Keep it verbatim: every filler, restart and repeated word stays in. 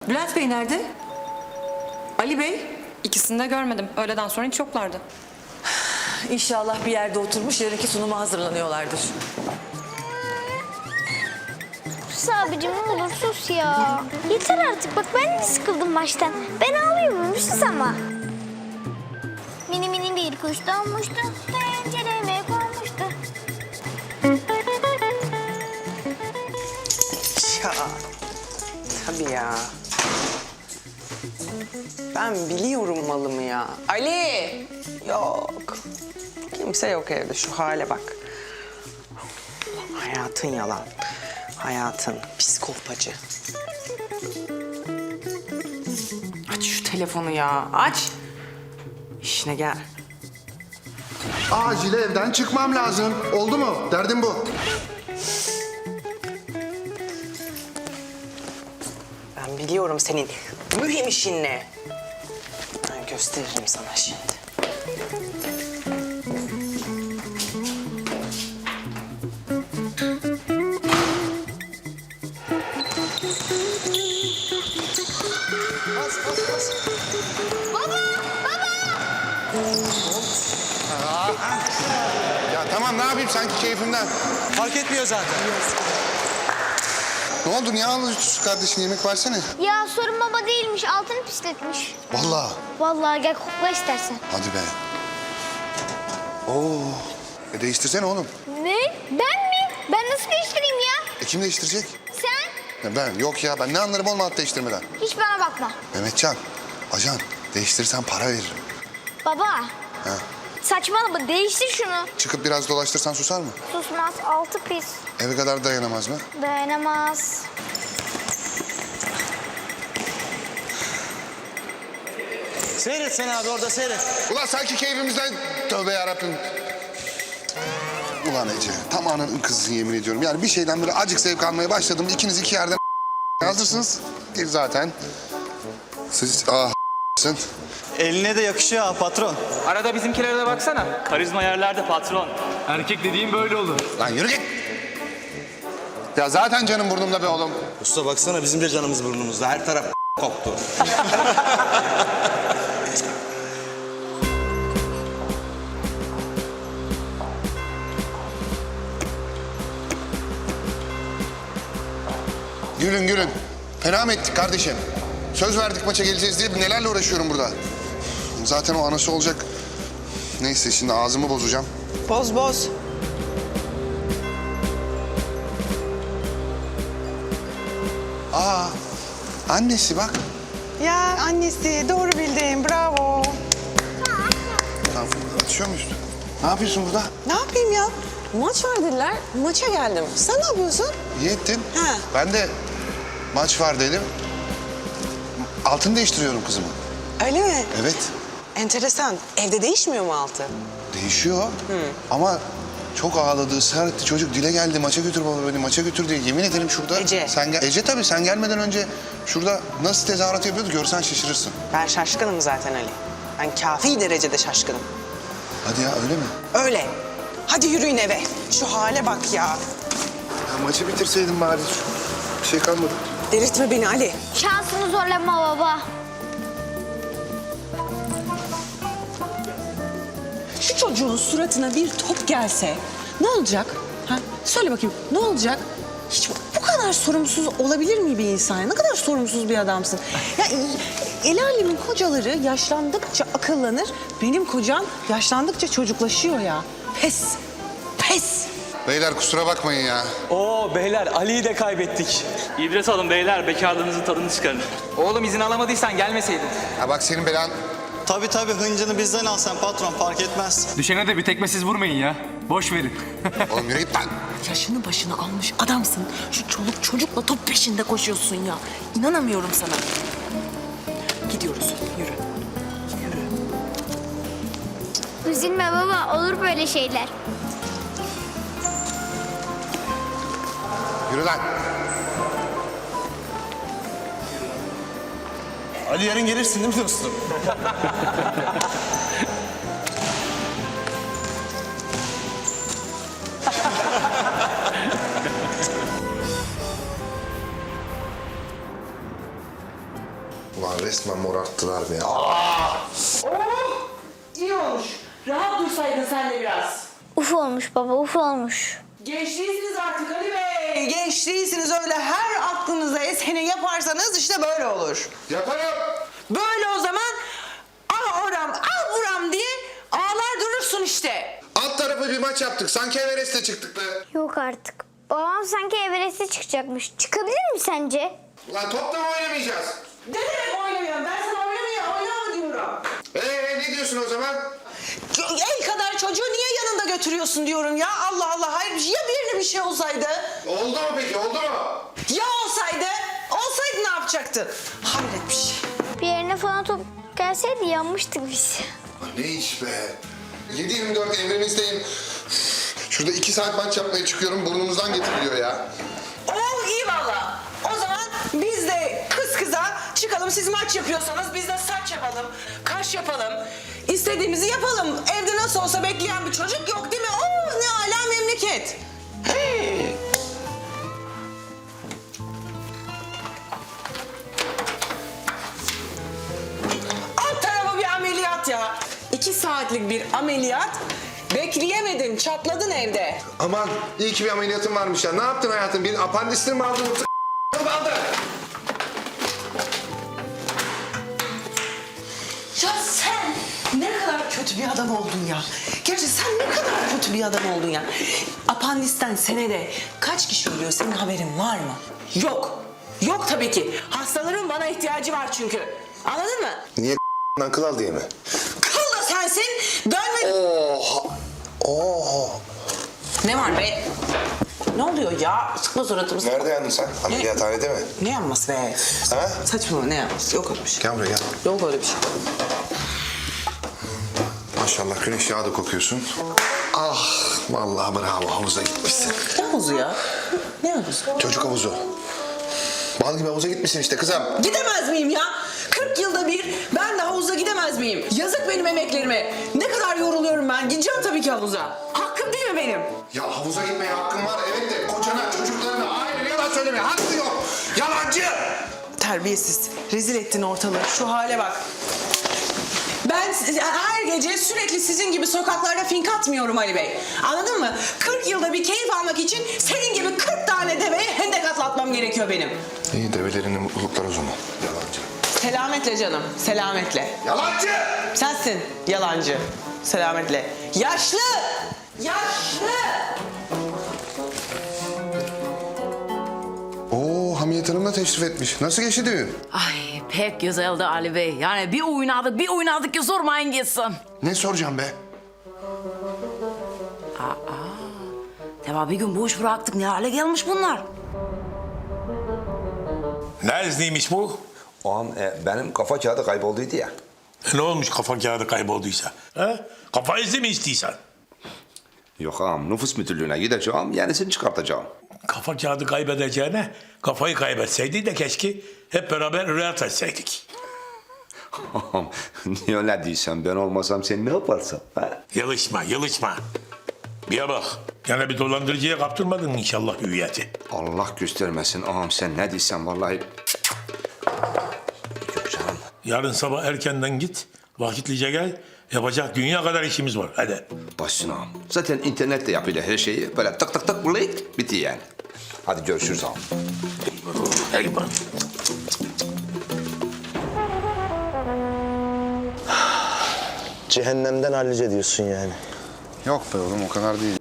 Bülent Bey nerede? Ali Bey? İkisini de görmedim. Öğleden sonra hiç yoklardı. İnşallah bir yerde oturmuş yarınki sunuma hazırlanıyorlardır. Sus abicim ne olur sus ya. Yeter artık bak ben de sıkıldım baştan. Ben ağlıyorum sus ama. Mini mini bir kuş donmuştu. Pencereme konmuştu. Ya tabii ya. Ben biliyorum malımı ya. Ali! Yok. Kimse yok evde. Şu hale bak. Hayatın yalan. Hayatın psikopacı. Aç şu telefonu ya. Aç. İşine gel. Acil evden çıkmam lazım. Oldu mu? Derdim bu. Ben biliyorum senin mühim işin ne. Ben gösteririm sana şimdi. Ya tamam ne yapayım sanki keyfimden. Fark etmiyor zaten. Ne oldu? Niye ağlıyorsun kardeşin? Yemek versene. Ya sorun baba değilmiş altını pisletmiş. Vallahi. Vallahi gel kokla istersen. Hadi be. Oo. E değiştirsene oğlum. Ne? Ben mi? Ben nasıl değiştireyim ya? E kim değiştirecek? Sen? Ya ben. Yok ya ben ne anlarım oğlum alt değiştirmeden. Hiç bana bakma. Mehmetcan. Ajan. Değiştirirsen para veririm. Baba. Ha. Saçmalama değiştir şunu. Çıkıp biraz dolaştırsan susar mı? Susmaz altı pis. Eve kadar dayanamaz mı? Dayanamaz. Seyret sen abi orada seyret. Ulan sanki keyfimizden... Tövbe yarabbim. Ulan Ece. Tam ananın kızısın yemin ediyorum. Yani bir şeyden böyle acık zevk almaya başladım. İkiniz iki yerden hazırsınız. Değil zaten. Siz ah sın. Eline de yakışıyor ha patron. Arada bizimkilere de baksana. Karizma yerlerde patron. Erkek dediğim böyle olur. Lan yürü git. Ya zaten canım burnumda be oğlum. Usta baksana bizim de canımız burnumuzda. Her taraf koktu. Gülün gülün. Fena mı ettik kardeşim? Söz verdik maça geleceğiz diye nelerle uğraşıyorum burada. Zaten o anası olacak. Neyse şimdi ağzımı bozacağım. Boz boz. Aa, annesi bak. Ya annesi doğru bildin bravo. Tamam, açıyor muyuz? Ne yapıyorsun burada? Ne yapayım ya? Maç var dediler. Maça geldim. Sen ne yapıyorsun? İyi ettin. Ha. Ben de maç var dedim. Altını değiştiriyorum kızımı. Öyle mi? Evet, Enteresan. Evde değişmiyor mu altı? değişiyor. Ama çok ağladı, ısrar etti. Çocuk dile geldi, maça götür baba beni, maça götür diye. Yemin ederim şurada... Ece. Sen gel... Ece tabii, sen gelmeden önce şurada nasıl tezahürat yapıyordu görsen şaşırırsın. Ben şaşkınım zaten Ali. Ben kafi derecede şaşkınım. Hadi ya, öyle mi? Öyle. Hadi yürüyün eve. Şu hale bak ya. Ya maçı bitirseydin bari. Bir şey kalmadı. Delirtme beni Ali. Şansını zorlama baba. Şu çocuğun suratına bir top gelse ne olacak? Ha? Söyle bakayım ne olacak? Hiç bu kadar sorumsuz olabilir mi bir insan? Ne kadar sorumsuz bir adamsın. Ya el alemin kocaları yaşlandıkça akıllanır. Benim kocam yaşlandıkça çocuklaşıyor ya. Pes. Pes. Beyler kusura bakmayın ya. Oo beyler Ali'yi de kaybettik. İdris alın beyler, bekarlığınızın tadını çıkarın. Oğlum izin alamadıysan gelmeseydin. Ya bak senin belan... Tabii tabii hıncını bizden al sen patron fark etmez. Düşene de bir tekmesiz vurmayın ya. Boş verin. Oğlum yürü git lan. Yaşını başını almış adamsın. Şu çoluk çocukla top peşinde koşuyorsun ya. İnanamıyorum sana. Gidiyoruz. Yürü. Üzülme baba olur böyle şeyler. Yürü lan. Ali yarın gelirsin değil mi dostum? Ulan resmen morarttılar beni. İyi olmuş. Rahat dursaydın sen de biraz. Uf olmuş baba, uf olmuş. Genç değilsiniz artık Ali Bey. Genç değilsiniz, öyle her aklınıza eseni yaparsanız işte böyle olur. Yaparım. Böyle o zaman ah oram ah buram diye ağlar durursun işte. Alt tarafı bir maç yaptık. Sanki Everest'e çıktık be. Yok artık. Babam sanki Everest'e çıkacakmış. Çıkabilir mi sence? Ulan topla mı oynamayacağız? Ne demek oynamıyorum? Ben sana oynamaya oynama diyorum. Ee ne diyorsun o zaman? El kadar çocuğu niye yanında götürüyorsun diyorum ya. Allah Allah, hayır ya birine bir şey olsaydı? Oldu mu peki, oldu mu? Ya olsaydı? Olsaydı ne yapacaktın? Hayret bir şey. Bir yerine falan top gelseydi yanmıştık biz. Ne iş be? yedi yirmi dört emrinizdeyim. Şurada iki saat maç yapmaya çıkıyorum, burnumuzdan getiriliyor ya. Oh iyi valla. O zaman biz de kız kıza çıkalım. Siz maç yapıyorsanız biz de saç yapalım, kaş yapalım. İstediğimizi yapalım. Evde nasıl olsa bekleyen bir çocuk yok değil mi? Oh ne âlâ memleket. Hey. Alt tarafı bir ameliyat ya. İki saatlik bir ameliyat. Bekleyemedin, çatladın evde. Aman iyi ki bir ameliyatım varmış ya. Ne yaptın hayatım? Bir apandisini mi aldın yoksa mı aldın? Ya sen ne kadar kötü bir adam oldun ya. Gerçi sen ne kadar kötü bir adam oldun ya. Apandisten senede kaç kişi ölüyor, senin haberin var mı? Yok. Yok tabii ki. Hastaların bana ihtiyacı var çünkü. Anladın mı? Niye kıl al diye mi? Kıl da sensin. Dönme. Oha! Oha! Ne var be? Ne oluyor ya? Sıkma suratımı. Nerede yandın sen? Ameliyathanede mi? Ne yanması be? Ha? Saçmalama, ne yanması? Yok öyle bir şey. Gel buraya gel. Yok öyle bir şey. Maşallah güneş yağı da kokuyorsun. Ah vallahi bravo, havuza gitmişsin. Ne havuzu ya? Ne havuzu? Çocuk havuzu. Bal gibi havuza gitmişsin işte kızım. Gidemez miyim ya? kırk yılda bir ben de havuza gidemez miyim? Yazık benim emeklerime. Ne kadar yoruluyorum ben. Gideceğim tabii ki havuza. Hakkım değil mi benim? Ya havuza gitmeye hakkın var evet de kocana, çocuklarına, ailene yalan söylemeye hakkı yok. Yalancı! Terbiyesiz. Rezil ettin ortalığı. Şu hale bak. Ben her gece sürekli sizin gibi sokaklarda fink atmıyorum Ali Bey. Anladın mı? kırk yılda bir keyif almak için senin gibi kırk tane deveye hendek atlatmam gerekiyor benim. İyi develerine mutluluklar o zaman. Yalancı. Selametle canım. Selametle. Yalancı! Sensin yalancı. Selametle. Yaşlı! Yaşlı! Oo Hamiyet Hanım da teşrif etmiş. Nasıl geçti düğün? Ay pek güzeldi Ali Bey. Yani bir oynadık bir oynadık ki sormayın gitsin. Ne soracağım be? Tabi bir gün boş bıraktık ne hale gelmiş bunlar. Ne izniymiş bu? O an e, benim kafa kağıdı kaybolduydu ya. E, ne olmuş kafa kağıdı kaybolduysa? He? Kafa izni mi istiyorsan? Yok ağam, nüfus müdürlüğüne gideceğim, yenisini çıkartacağım. Kafa kağıdı kaybedeceğine kafayı kaybetseydi de keşke hep beraber rüyat etseydik. Ağam, niye öyle diyorsun? Ben olmasam sen ne yaparsın? Ha? Yalışma, yalışma. Bir bak, gene bir dolandırıcıya kaptırmadın inşallah hüviyeti. Allah göstermesin ağam, sen ne diyorsun vallahi. Yok canım. Yarın sabah erkenden git, vakitlice gel. Yapacak dünya kadar işimiz var, hadi. Başsın ağam. Zaten internette yapıyla her şeyi böyle tık tık tık bulayık, bitti yani. Hadi görüşürüz ağam. Eyvallah. Cehennemden hallice diyorsun yani. Yok be oğlum o kadar değil